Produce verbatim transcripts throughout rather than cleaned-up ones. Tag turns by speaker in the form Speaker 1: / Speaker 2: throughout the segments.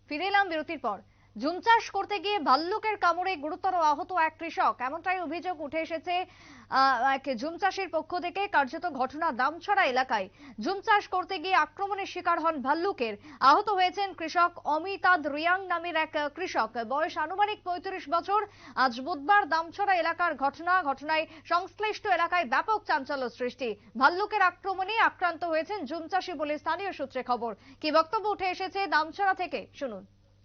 Speaker 1: ফিরে এলাম বিরতির পর। ঝুম চাষ করতে গিয়ে ভাল্লুকের কামড়ে গুরুতর আহত এক কৃষক, এমনটাই অভিযোগ উঠে এসেছে এক ঝুম চাষির পক্ষ থেকে। কার্যত ঘটনা দামছড়া এলাকায় ঝুম চাষ করতে গিয়ে আক্রমণের শিকার হন ভাল্লুকের। আহত হয়েছেন কৃষক অমিতাদ রিয়াং নামের এক কৃষক, বয়স আনুমানিক পঁয়ত্রিশ বছর। আজ বুধবার দামছড়া এলাকার ঘটনা। ঘটনায় সংশ্লিষ্ট এলাকায় ব্যাপক চাঞ্চল্য সৃষ্টি। ভাল্লুকের আক্রমণে আক্রান্ত হয়েছেন ঝুম চাষি বলে স্থানীয় সূত্রে খবর। কি বক্তব্য উঠে এসেছে দামছড়া থেকে, শুনুন।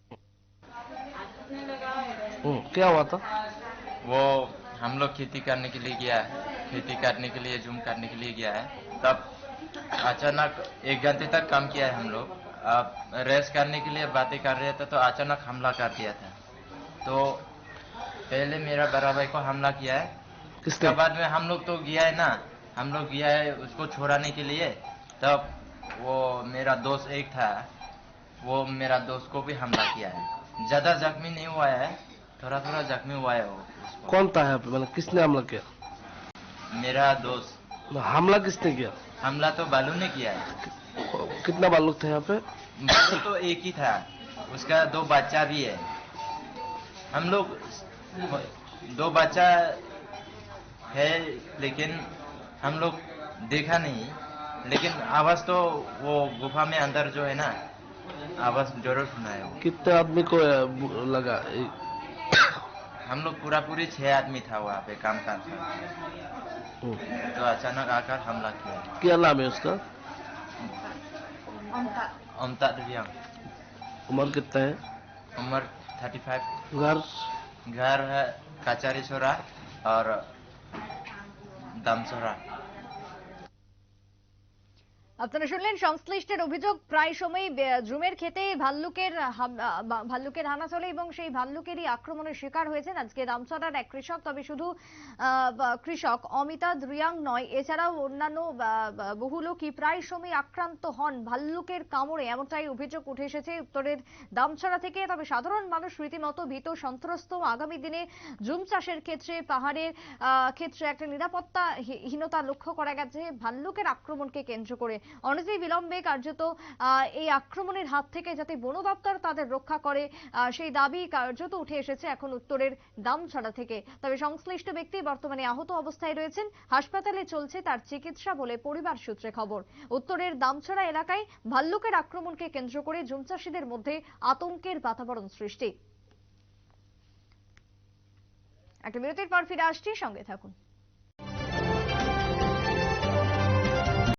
Speaker 2: क्या हुआ था?
Speaker 3: वो हम लोग खेती करने के लिए गया है, खेती करने के लिए जूम करने के लिए गया है। तब अचानक एक घंटे तक काम किया है हम लोग। अब रेस्ट करने के लिए बातें कर रहे थे तो अचानक हमला कर दिया था। तो पहले मेरा बड़ा भाई को हमला किया है, उसके बाद में हम लोग तो गया है ना, हम लोग गया है उसको छोड़ाने के लिए। तब वो मेरा दोस्त एक था, वो मेरा दोस्त को भी हमला किया है। ज्यादा जख्मी नहीं हुआ है, थोड़ा थोड़ा जख्मी हुआ है वो।
Speaker 2: कौन था यहाँ पे, मतलब किसने हमला किया?
Speaker 3: मेरा दोस्त।
Speaker 2: हमला किसने किया?
Speaker 3: हमला तो बालू ने किया है।
Speaker 2: कितना बालूक थे यहाँ पे?
Speaker 3: बालू तो एक ही था, उसका दो बच्चा भी है। हम लोग दो बच्चा है लेकिन हम लोग देखा नहीं, लेकिन आवाज तो वो गुफा में अंदर जो है ना, आवाज जरूर सुना है।
Speaker 2: कितने आदमी को लगा?
Speaker 3: हम लोग पूरा पूरी छह आदमी था वहाँ पे काम करता, तो अचानक आकर हमला किया।
Speaker 2: क्या नाम है उसका?
Speaker 3: अमिताद रियां।
Speaker 2: उम्र कितना है?
Speaker 3: उम्र थर्टी फाइव।
Speaker 2: घर?
Speaker 3: घर है काचारी छोरा और दामछोरा।
Speaker 1: আপনারা শুনলেন সংশ্লিষ্টের অভিযোগ। প্রায় সময় ঝুমের ক্ষেতে ভাল্লুকের ভাল্লুকের হানা চলে এবং সেই ভাল্লুকেরই আক্রমণের শিকার হয়েছেন আজকে দামছড়ার এক কৃষক। তবে শুধু কৃষক অমিতাদ রিয়াং নয়, এছাড়াও অন্যান্য বহু লোকই প্রায় সময় আক্রান্ত হন ভাল্লুকের কামড়ে, এমনটাই অভিযোগ উঠে এসেছে উত্তরের দামছড়া থেকে। তবে সাধারণ মানুষ রীতিমতো ভীত সন্ত্রস্ত। আগামী দিনে ঝুম চাষের ক্ষেত্রে, পাহাড়ের ক্ষেত্রে একটা নিরাপত্তাহীনতা লক্ষ্য করা গেছে ভাল্লুকের আক্রমণকে কেন্দ্র করে। অনতি বিলম্বে কার্যত এই আক্রমণের হাত থেকে যাতে বন দপ্তর তাদের রক্ষা করে, সেই দাবি কার্যত উঠে এসেছে এখন উত্তরের দামছড়া থেকে। তবে সংশ্লিষ্ট ব্যক্তি বর্তমানে আহত অবস্থায় রয়েছেন, হাসপাতালে চলছে তার চিকিৎসা বলে পরিবার সূত্রে খবর। উত্তরের দামছড়া এলাকায় ভাল্লুকের আক্রমণকে কেন্দ্র করে ঝুম চাষীদের মধ্যে আতঙ্কের বাতাবরণ সৃষ্টি। একটা বিরতির পর ফিরে আসছি, সঙ্গে থাকুন।